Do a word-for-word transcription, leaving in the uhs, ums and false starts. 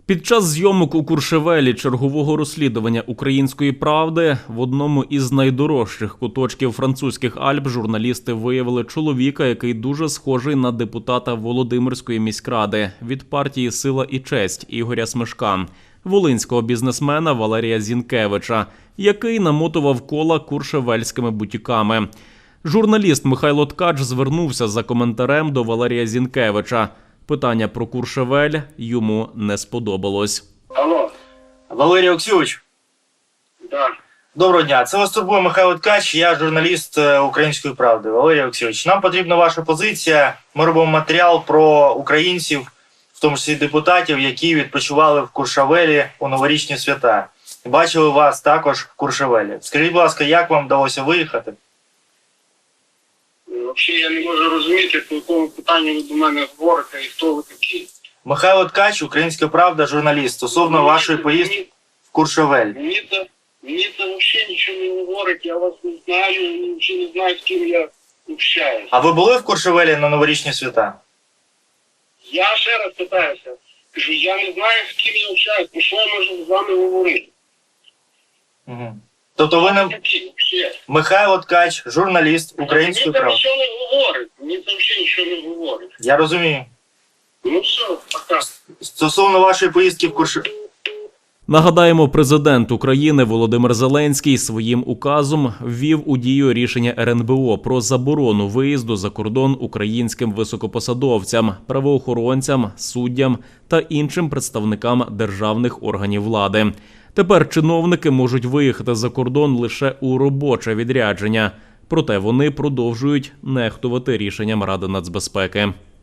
Під час зйомок у Куршевелі чергового розслідування «Української правди» в одному із найдорожчих куточків французьких Альп журналісти виявили чоловіка, який дуже схожий на депутата Володимирської міськради від партії «Сила і честь» Ігоря Смешка, волинського бізнесмена Валерія Зінкевича, який намотував кола куршевельськими бутіками. Журналіст Михайло Ткач звернувся за коментарем до Валерія Зінкевича. Питання про Куршевель йому не сподобалось. Алло. Валерій Олексійович. Да. Доброго дня. Це вас турбує Михайло Ткач, я журналіст «Української правди». Валерій Олексійович, нам потрібна ваша позиція. Ми робимо матеріал про українців, в тому числі депутатів, які відпочивали в Куршевелі у новорічні свята. Бачили вас також в Куршевелі. Скажіть, будь ласка, як вам вдалося виїхати? Взагалі я не можу розуміти, по якому питанню ви до мене говорите і хто ви такі. Михайло Ткач, «Українська правда», журналіст, стосовно Мені вашої це- поїздки мені- в Куршевель. Мені це, мені це взагалі нічого не говорить, я вас не знаю, і взагалі не знаю, з ким я общаюся. А ви були в Куршевелі на новорічні свята? Я ще раз питаюся, кажу, я не знаю, з ким я общаюся, про що я можу з вами говорити. Угу. Тобто ви не... Такі, взагалі. Михайло Ткач, журналіст «Української Мені це правди». нічого не говорить, мені це взагалі нічого не говорить. Я розумію. Ну все, пока. Стосовно вашої поїздки в Куршевель. Нагадаємо, президент України Володимир Зеленський своїм указом ввів у дію рішення ер ен бе о про заборону виїзду за кордон українським високопосадовцям, правоохоронцям, суддям та іншим представникам державних органів влади. Тепер чиновники можуть виїхати за кордон лише у робоче відрядження. Проте вони продовжують нехтувати рішенням Ради нацбезпеки.